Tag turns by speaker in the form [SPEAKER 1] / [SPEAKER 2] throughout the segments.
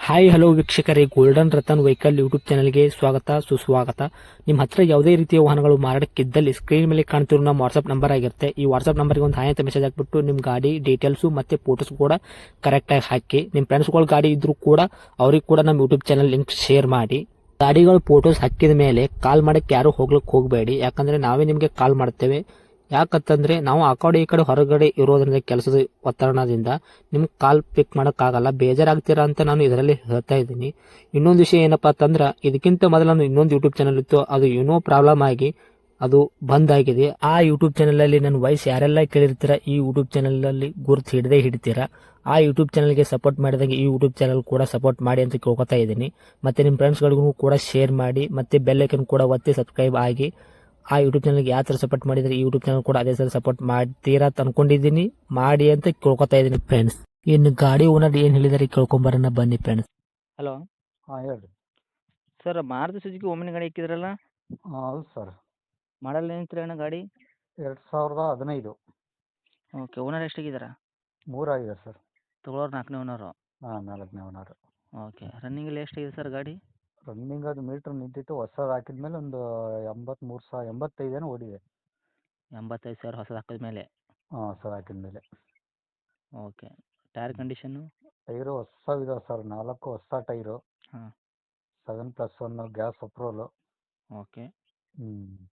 [SPEAKER 1] Hi hello ವೀಕ್ಷಕರೇ, golden Ratan vehicle YouTube ಚಾನಲ್ಗೆ ಸ್ವಾಗತ ಸುಸ್ವಾಗತ. ನಿಮ್ಮ ಹತ್ರ ಯಾವುದೇ ರೀತಿಯ ವಾಹನಗಳು ಮಾರಾಟಕ್ಕಿದ್ದಲ್ಲಿ ಸ್ಕ್ರೀನ್ ಮೇಲೆ ಕಾಣ್ತಿರೋ ನಮ್ಮ ವಾಟ್ಸ್ಆಪ್ ನಂಬರ್ ಆಗಿರುತ್ತೆ. ಈ ವಾಟ್ಸ್ಆಪ್ ನಂಬರ್ಗೆ ಒಂದು ಹಾಯ್ ಅಂತ ಮೆಸೇಜ್ ಹಾಕ್ಬಿಟ್ಟು ನಿಮ್ಮ ಗಾಡಿ ಡೀಟೇಲ್ಸು ಮತ್ತೆ ಫೋಟೋಸ್ ಕೂಡ ಕರೆಕ್ಟಾಗಿ ಹಾಕಿ. ನಿಮ್ಮ ಫ್ರೆಂಡ್ಸ್ಗಳ ಗಾಡಿ ಇದ್ರೂ ಕೂಡ ಅವ್ರಿಗೆ ಕೂಡ ನಮ್ಮ ಯೂಟ್ಯೂಬ್ ಚಾನಲ್ ಲಿಂಕ್ ಶೇರ್ ಮಾಡಿ. ಗಾಡಿಗಳು ಫೋಟೋಸ್ ಹಾಕಿದ ಮೇಲೆ ಕಾಲ್ ಮಾಡಕ್ಕೆ ಯಾರು ಹೋಗ್ಲಿಕ್ಕೆ ಹೋಗಬೇಡಿ, ಯಾಕಂದ್ರೆ ನಾವೇ ನಿಮಗೆ ಕಾಲ್ ಮಾಡ್ತೇವೆ. ಯಾಕಂತಂದ್ರೆ ನಾವು ಆ ಕಡೆ ಈ ಕಡೆ ಹೊರಗಡೆ ಇರೋದ್ರಿಂದ ಕೆಲಸದ ಒತ್ತಡದಿಂದ ನಿಮ್ಗೆ ಕಾಲ್ ಪಿಕ್ ಮಾಡೋಕ್ಕಾಗಲ್ಲ, ಬೇಜಾರಾಗ್ತೀರಾ ಅಂತ ನಾನು ಇದರಲ್ಲಿ ಹೇಳ್ತಾ ಇದ್ದೀನಿ. ಇನ್ನೊಂದು ವಿಷಯ ಏನಪ್ಪಾ ಅಂತಂದ್ರೆ, ಇದಕ್ಕಿಂತ ಮೊದಲು ನಾನು ಇನ್ನೊಂದು ಯೂಟ್ಯೂಬ್ ಚಾನಲ್ ಇತ್ತು, ಅದು ಏನೋ ಪ್ರಾಬ್ಲಮ್ ಆಗಿ ಅದು ಬಂದ್ ಆಗಿದೆ. ಆ ಯೂಟ್ಯೂಬ್ ಚಾನಲ್ ಅಲ್ಲಿ ನನ್ನ ವಾಯ್ಸ್ ಯಾರೆಲ್ಲ ಕೇಳಿರ್ತೀರಾ, ಈ ಯೂಟ್ಯೂಬ್ ಚಾನಲ್ ಅಲ್ಲಿ ಗುರುತು ಹಿಡದೇ ಹಿಡಿತೀರಾ. ಆ ಯೂಟ್ಯೂಬ್ ಚಾನಲ್ಗೆ ಸಪೋರ್ಟ್ ಮಾಡಿದಾಗ ಈ ಯೂಟ್ಯೂಬ್ ಚಾನಲ್ ಕೂಡ ಸಪೋರ್ಟ್ ಮಾಡಿ ಅಂತ ಕೇಳ್ಕೊತಾ ಇದ್ದೀನಿ. ಮತ್ತೆ ನಿಮ್ಮ ಫ್ರೆಂಡ್ಸ್ಗಳಿಗೂ ಕೂಡ ಶೇರ್ ಮಾಡಿ, ಮತ್ತೆ ಬೆಲ್ ಐಕನ್ ಕೂಡ ಒತ್ತಿ ಸಬ್ಸ್ಕ್ರೈಬ್ ಆಗಿ. ಆ ಯೂಟ್ಯೂಬ್ ಚಾನಲ್ಗೆ ಯಾವ ಥರ ಸಪೋರ್ಟ್ ಮಾಡಿದ್ರೆ ಈ ಯೂಟ್ಯೂಬ್ ಚಾನಲ್ ಕೂಡ ಅದೇ ಥರ ಸಪೋರ್ಟ್ ಮಾಡ್ತೀರಾ ಅಂತ ಅನ್ಕೊಂಡಿದ್ದೀನಿ. ಮಾಡಿ ಅಂತ ಕೇಳ್ಕೊತಾ ಇದ್ದೀನಿ ಫ್ರೆಂಡ್ಸ್. ಇನ್ನು ಗಾಡಿ ಓನರ್ ಏನು ಹೇಳಿದಾರೆ ಕೇಳ್ಕೊಂಬರೋಣ ಬನ್ನಿ ಫ್ರೆಂಡ್ಸ್.
[SPEAKER 2] ಹಲೋ
[SPEAKER 3] ಹಾಂ ಹೇಳ್ರಿ.
[SPEAKER 2] ಸರ್, ಮಾರುತಿ ಸುಜುಕಿ ಓಮಿನಿ ಗಾಡಿ ಇಕ್ಕಿದ್ರಲ್ಲ,
[SPEAKER 3] ಹೌದು ಸರ್.
[SPEAKER 2] ಮಾಡಲ್ ಏನಂತೀರಿ ಅಣ್ಣ ಗಾಡಿ?
[SPEAKER 3] 2015.
[SPEAKER 2] Okay, owner ಎಷ್ಟಾಗಿದ್ದಾರೆ?
[SPEAKER 3] 3 ಆಗಿದೆ ಸರ್.
[SPEAKER 2] ತೊಗೊಳೋರು 4ನೇ ಓನರು.
[SPEAKER 3] ಹಾಂ, 4ನೇ ಓನರು.
[SPEAKER 2] ಓಕೆ, ರನ್ನಿಂಗಲ್ಲಿ ಎಷ್ಟಾಗಿದೆ ಸರ್ ಗಾಡಿ?
[SPEAKER 3] ರನ್ನಿಂಗ್ ಅದು ಮೀಟ್ರ್ ನಿಂತಿತ್ತು, ಹೊಸದು ಹಾಕಿದ್ಮೇಲೆ ಒಂದು 85 ಏನೋ ಓಡಿದೆ.
[SPEAKER 2] 85,000 ಹೊಸದು ಹಾಕಿದ ಮೇಲೆ.
[SPEAKER 3] ಹಾಂ, ಹೊಸದು ಹಾಕಿದ್ಮೇಲೆ.
[SPEAKER 2] ಓಕೆ, ಟೈರ್ ಕಂಡೀಷನ್ನು?
[SPEAKER 3] ಟೈರು ಹೊಸವಿದಾವೆ ಸರ್, 4 ಹೊಸ ಟೈರು.
[SPEAKER 2] ಹಾಂ.
[SPEAKER 3] 7+1 ಗ್ಯಾಸ್ ಅಪ್ರೋಲು.
[SPEAKER 2] ಓಕೆ,
[SPEAKER 3] ಹ್ಞೂ.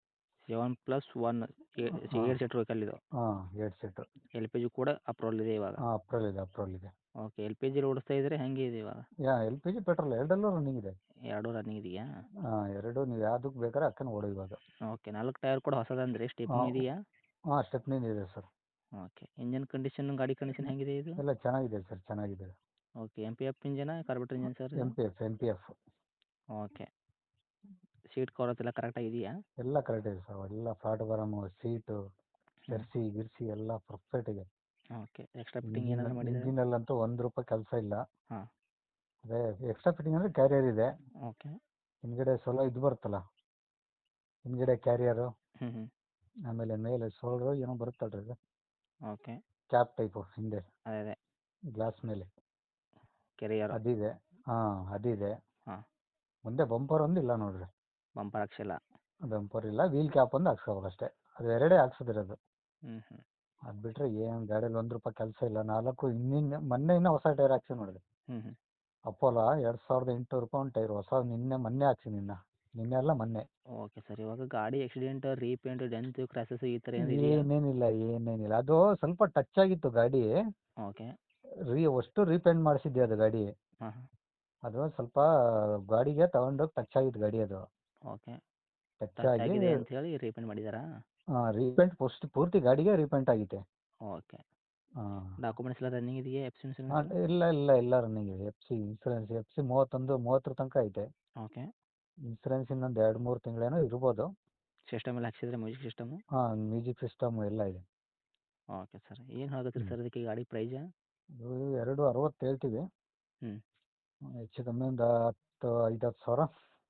[SPEAKER 2] 7+1 8 ಸೀಟ್ರ್ ವೆಹಿಕಲ್ ಇದು.
[SPEAKER 3] ಹಾಂ, 8 ಸೀಟು.
[SPEAKER 2] LPG ಕೂಡ ಅಪ್ರೋಲ್ ಇದೆ ಇವಾಗ?
[SPEAKER 3] ಹಾಂ, ಅಪ್ರೋಲ್ ಇದೆ.
[SPEAKER 2] ಓಕೆ, LPG ಓಡಿಸ್ತಾ ಇದ್ರೆ ಹೆಂಗೆ ಇದೆ ಇವಾಗ?
[SPEAKER 3] LPG ಪೆಟ್ರೋಲ್ ಎರಡಲ್ಲೂ ರನ್ನಿಂಗ್ ಇದೆ.
[SPEAKER 2] ಎರಡೂ ರನ್ನಿಂಗ್ ಇದೆಯಾ?
[SPEAKER 3] ಹಾಂ, ಎರಡು ನೀವು ಯಾವುದಕ್ಕೆ ಬೇಕಾದ್ರೆ ಹಾಕೊಂಡು ಓಡಿ ಇವಾಗ.
[SPEAKER 2] ಓಕೆ, 4 ಟೈರ್ ಕೂಡ ಹೊಸದಂದ್ರೆ ಸ್ಟೆಪ್ನಿ ಇದೆಯಾ?
[SPEAKER 3] ಹಾಂ, ಸ್ಟೆಪ್ನಿ ಇದೆ ಸರ್.
[SPEAKER 2] ಓಕೆ, ಇಂಜನ್ ಕಂಡೀಷನ್, ಗಾಡಿ ಕಂಡೀಷನ್ ಹೆಂಗಿದೆ ಇದು?
[SPEAKER 3] ಎಲ್ಲ ಚೆನ್ನಾಗಿದೆ ಸರ್, ಚೆನ್ನಾಗಿದೆ.
[SPEAKER 2] ಓಕೆ, MPF ಇಂಜನಾ carburettor engine sir?
[SPEAKER 3] MPF.
[SPEAKER 2] Okay, seat covers ಎಲ್ಲ ಕರೆಕ್ಟಾಗಿ ಇದೆಯಾ?
[SPEAKER 3] ಎಲ್ಲ ಕರೆಕ್ಟ್ ಇದೆ ಸರ್, ಎಲ್ಲ ಪ್ಲಾಟ್ಫಾರಮು, ಸೀಟು, ಜರ್ಸಿ ಗಿರ್ಸಿ ಎಲ್ಲ ಪರ್ಫೆಕ್ಟ್ ಇದೆ.
[SPEAKER 2] ಓಕೆ, ಎಕ್ಸ್ಟ್ರಾ ಫಿಟ್ಟಿಂಗ್ ಏನಾದರೂ ಮಾಡಿದ್ದಾರೆ?
[SPEAKER 3] ಇಂಜಿನಲ್ಲಂತೂ ₹1 ಕೆಲಸ ಇಲ್ಲ.
[SPEAKER 2] ಹಾಂ.
[SPEAKER 3] ಅದೇ ಎಕ್ಸ್ಟ್ರಾ ಫಿಟ್ಟಿಂಗ್ ಅಂದರೆ ಕ್ಯಾರಿಯರ್ ಇದೆ.
[SPEAKER 2] ಓಕೆ.
[SPEAKER 3] ಹಿಂದ್ಗಡೆ ಸೋಲೋ ಇದು ಬರುತ್ತಲ್ಲ, ಹಿಂದ್ಗಡೆ ಕ್ಯಾರಿಯರು,
[SPEAKER 2] ಹ್ಞೂ.
[SPEAKER 3] ಆಮೇಲೆ ಮೇಲೆ ಸೋಲ್ಡ್ರು ಏನೋ ಬರುತ್ತಲ್ರಿ ಇದು,
[SPEAKER 2] ಓಕೆ.
[SPEAKER 3] ಕ್ಯಾಪ್ ಟೈಪು ಹಿಂದೆ
[SPEAKER 2] ಅದೇ
[SPEAKER 3] ಗ್ಲಾಸ್ ಮೇಲೆ
[SPEAKER 2] ಕೆರಿಯರ್.
[SPEAKER 3] ಅದಿದೆ. ಹಾಂ, ಅದಿದೆ.
[SPEAKER 2] ಹಾಂ.
[SPEAKER 3] ಮುಂದೆ ಬಂಪರ್ ಒಂದು ಇಲ್ಲ ನೋಡ್ರಿ.
[SPEAKER 2] ಬಂಪರ್ ಹಾಕ್ಸಿಲ್ಲ?
[SPEAKER 3] ಬಂಪರ್ ಇಲ್ಲ, ವೀಲ್ ಕ್ಯಾಪ್ ಒಂದು ಹಾಕ್ಸ್ಕೋಬೇಕು ಅಷ್ಟೇ. ಅದು ಎರಡೇ ಹಾಕ್ಸಿದಿರೋದು.
[SPEAKER 2] ಹ್ಞೂ.
[SPEAKER 3] ಅದು ಬಿಟ್ಟರೆ ಏನು ಗಾಡಿಯಲ್ಲಿ ₹1 ಕೆಲಸ ಇಲ್ಲ. 4 ಮೊನ್ನೆ ಇನ್ನೂ ಹೊಸ ಟೈರ್ ಹಾಕ್ಸಿ ನೋಡಿರಿ.
[SPEAKER 2] ಹ್ಞೂ.
[SPEAKER 3] ಅಪೋಲೋ ₹2,800 ಒಂದು ಟೈರ್ ಹೊಸ, ಮೊನ್ನೆ ಹಾಕ್ಸಿ. ನಿನ್ನೆ ಅಲ್ಲ ಮೊನ್ನೆ.
[SPEAKER 2] ಓಕೆ ಸರ್, ಇವಾಗ ಗಾಡಿ ಆಕ್ಸಿಡೆಂಟ್, ರೀಪೇಂಟ್, ಡೆಂತ್, ಕ್ರ್ಯಾಸಸ್ ಈ ಥರ ಏನಾದ್ರು ಇದೆಯಾ?
[SPEAKER 3] ಏನೇನಿಲ್ಲ. ಅದು ಸ್ವಲ್ಪ ಟಚ್ ಆಗಿತ್ತು ಗಾಡಿ.
[SPEAKER 2] ಓಕೆ.
[SPEAKER 3] ಅಷ್ಟು ರೀಪೇಂಟ್ ಮಾಡಿಸಿದ್ದೆ ಅದು ಗಾಡಿ.
[SPEAKER 2] ಹಾಂ ಹಾಂ.
[SPEAKER 3] ಅದು ಸ್ವಲ್ಪ ಗಾಡಿಗೆ ತಗೊಂಡೋಗಿ ಟಚ್ ಆಗಿತ್ತು ಗಾಡಿ. ಅದು
[SPEAKER 2] ಓಕೆ,
[SPEAKER 3] ಟಚ್
[SPEAKER 2] ಟಚ್
[SPEAKER 3] ಆಗಿ
[SPEAKER 2] ಆಗಿದೆ ಅಂತ ಹೇಳಿ ರೀಪೇಂಟ್ ಮಾಡಿದ್ದಾರಾ?
[SPEAKER 3] ರೀಪೇಂಟ್ ಪೂರ್ತಿ ಗಾಡಿಗೆ ರೀಪೇಂಟ್ ಆಗಿದೆ.
[SPEAKER 2] ಓಕೆ.
[SPEAKER 3] ಹಾಂ.
[SPEAKER 2] ಡಾಕ್ಯುಮೆಂಟ್ಸ್ ಎಲ್ಲ ರನ್ನಿಂಗ್ ಇದೆಯಾ? F C insurance?
[SPEAKER 3] ಇಲ್ಲ ರನ್ನಿಂಗ್ ಇದೆ. ಇನ್ಸೂರೆನ್ಸ್ FC 30 ತನಕ ಐತೆ.
[SPEAKER 2] ಓಕೆ.
[SPEAKER 3] ಇನ್ಸೂರೆನ್ಸ್ ಇನ್ನೊಂದು 2-3 ತಿಂಗಳೇನೋ ಇರ್ಬೋದು.
[SPEAKER 2] ಸಿಸ್ಟಮ್ ಎಲ್ಲ ಹಾಕ್ಸಿದ್ರೆ ಮ್ಯೂಸಿಕ್ ಸಿಸ್ಟಮು?
[SPEAKER 3] ಹಾಂ, ಮ್ಯೂಸಿಕ್ ಸಿಸ್ಟಮ್ ಎಲ್ಲ ಇದೆ.
[SPEAKER 2] ಓಕೆ ಸರ್, ಏನು ಹೇಳಕತ್ತೀರಿ ಸರ್ ಅದಕ್ಕೆ ಗಾಡಿ ಪ್ರೈಜಾ?
[SPEAKER 3] ಇದು 260 ಹೇಳ್ತೀವಿ.
[SPEAKER 2] ಹ್ಞೂ.
[SPEAKER 3] ಹೆಚ್ಚು ಕಮ್ಮಿ ಒಂದು 5-10 ಸಾವಿರ.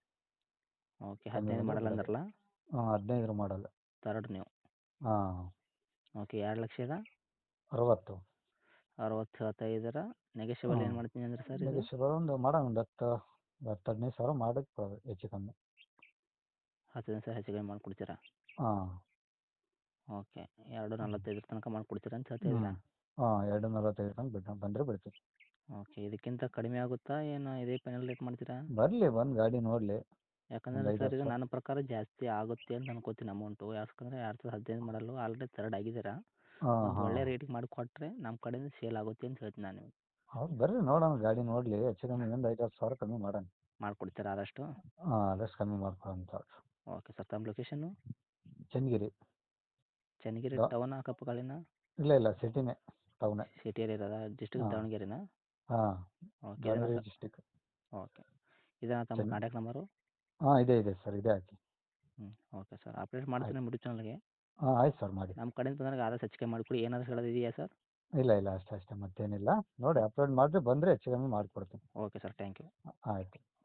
[SPEAKER 2] ಓಕೆ, 15 ಮಾಡಲ್ ಅಂದ್ರಲ್ಲ?
[SPEAKER 3] ಹಾಂ, 15 ಮಾಡಲ್.
[SPEAKER 2] ತರ್ಡ್ ನೀವು?
[SPEAKER 3] ಹಾಂ.
[SPEAKER 2] ಓಕೆ, 2,60,000?
[SPEAKER 3] 60.
[SPEAKER 2] 60 ಹೇಳ್ತಾಯಿದ್ದೀರಾ? ನೆಗೆಷಿಯಬಲ್ ಏನು ಮಾಡ್ತೀನಿ ಅಂದ್ರೆ ಸರ್ ಇದು?
[SPEAKER 3] ನೆಗೋಷಿಯಬಲ್ ಒಂದು ಮಾಡೋಣ, ಒಂದು 10-15 ಸಾವಿರ ಮಾಡೋಕ್ಕೆ ಬರೋದು ಹೆಚ್ಚು ಕಮ್ಮಿ.
[SPEAKER 2] 15 ಸಾವಿರ ಹೆಚ್ಚು ಕಮ್ಮಿ ಮಾಡಿಕೊಡ್ತೀರಾ?
[SPEAKER 3] ಹಾಂ.
[SPEAKER 2] ಓಕೆ, 2,45 ತನಕ ಮಾಡಿಕೊಡ್ತೀರಾ ಅಂತ ಹೇಳ್ತಾಯಿದ್ದೀರಾ?
[SPEAKER 3] ಹಾಂ, 245 ತನಕ ಬಂದರೆ ಬಿಡ್ತೀವಿ.
[SPEAKER 2] ಓಕೆ, ಇದಕ್ಕಿಂತ ಕಡಿಮೆ ಆಗುತ್ತಾ ಏನು ಇದೇ ಫೈನಲ್ ರೇಟ್ ಮಾಡ್ತೀರಾ?
[SPEAKER 3] ಬರಲಿ, ಬಂದು ಗಾಡಿ ನೋಡಲಿ.
[SPEAKER 2] ಯಾಕಂದರೆ ಸರ್ ಇದು ನನ್ನ ಪ್ರಕಾರ ಜಾಸ್ತಿ ಆಗುತ್ತೆ ಅಂತ ಅನ್ಕೋತೀನಿ ಅಮೌಂಟು. ಯಾಕಂದರೆ 2015 ಮಾಡಲು ಆಲ್ರೆಡಿ ತರ್ಡ್ ಆಗಿದ್ದೀರಾ. ಒಂದು ಒಳ್ಳೆ ರೇಟಿಗೆ ಮಾಡಿಕೊಟ್ರೆ ನಮ್ಮ ಕಡೆಯಿಂದ ಸೇಲ್ ಆಗುತ್ತೆ ಅಂತ ಹೇಳ್ತೀನಿ ನಾನು ನಿಮಗೆ.
[SPEAKER 3] ಹೌದು, ಬರ್ರಿ ನೋಡೋಣ, ಗಾಡಿ ನೋಡಲಿ. ಹೆಚ್ಚು ಕಮ್ಮಿ ಒಂದು 5-10 ಸಾವಿರ ಕಮ್ಮಿ ಮಾಡೋಣ.
[SPEAKER 2] ಮಾಡಿಕೊಡ್ತೀರಾ ಆದಷ್ಟು?
[SPEAKER 3] ಹಾಂ, ಆದಷ್ಟು ಕಮ್ಮಿ ಮಾಡ್ಕೊಳ್ಳೋಣ.
[SPEAKER 2] ಓಕೆ ಸರ್, ತಮ್ಮ ಲೊಕೇಶನ್ನು?
[SPEAKER 3] ಚನ್ನಗಿರಿ.
[SPEAKER 2] ಚನ್ನಗಿರಿ ಟೌನ್ ಅಕ್ಕಪಕ್ಕಳಿನ?
[SPEAKER 3] ಇಲ್ಲ ಸಿಟಿನೇ, ಟೌನೇ.
[SPEAKER 2] ಸಿಟಿಯಲ್ಲಿ ಇರೋದಾ? ಡಿಸ್ಟ್ರಿಕ್ಟ್ ದಾವಣಗೆರೆನಾ?
[SPEAKER 3] ಹಾಂ,
[SPEAKER 2] ಓಕೆ,
[SPEAKER 3] ದಾವಣಗೆರೆ ಡಿಸ್ಟಿಕ್.
[SPEAKER 2] ಓಕೆ, ಇದೇನಾ ತಮ್ಮ ಕಾಂಟ್ಯಾಕ್ಟ್ ನಂಬರು?
[SPEAKER 3] ಹಾಂ, ಇದೆ ಸರ್, ಇದೆ ಹಾಕಿ.
[SPEAKER 2] ಓಕೆ ಸರ್, ಅಪ್ಡೇಟ್ ಮಾಡ್ತೀನಿ ಯೂಟ್ಯೂಬ್ ಚಾನಲ್ಗೆ.
[SPEAKER 3] ಹಾಂ, ಆಯ್ತು ಸರ್, ಮಾಡಿ.
[SPEAKER 2] ನಮ್ಮ ಕಡೆಯಿಂದ ಬಂದಾಗ ಆದಷ್ಟು ಹೆಚ್ಚಿಗೆ ಮಾಡಿಕೊಡಿ. ಏನಾದರೂ ಹೇಳೋದಿದೆಯಾ ಸರ್?
[SPEAKER 3] ಇಲ್ಲ ಅಷ್ಟೇ ಮತ್ತೇನಿಲ್ಲ. ನೋಡಿ ಅಪ್ಲೋಡ್ ಮಾಡಿದ್ರೆ ಬಂದರೆ ಹೆಚ್ಚು ಕಮ್ಮಿ ಮಾಡಿಕೊಡ್ತೀನಿ.
[SPEAKER 2] Okay sir, thank you.
[SPEAKER 3] ಆಯಿತು.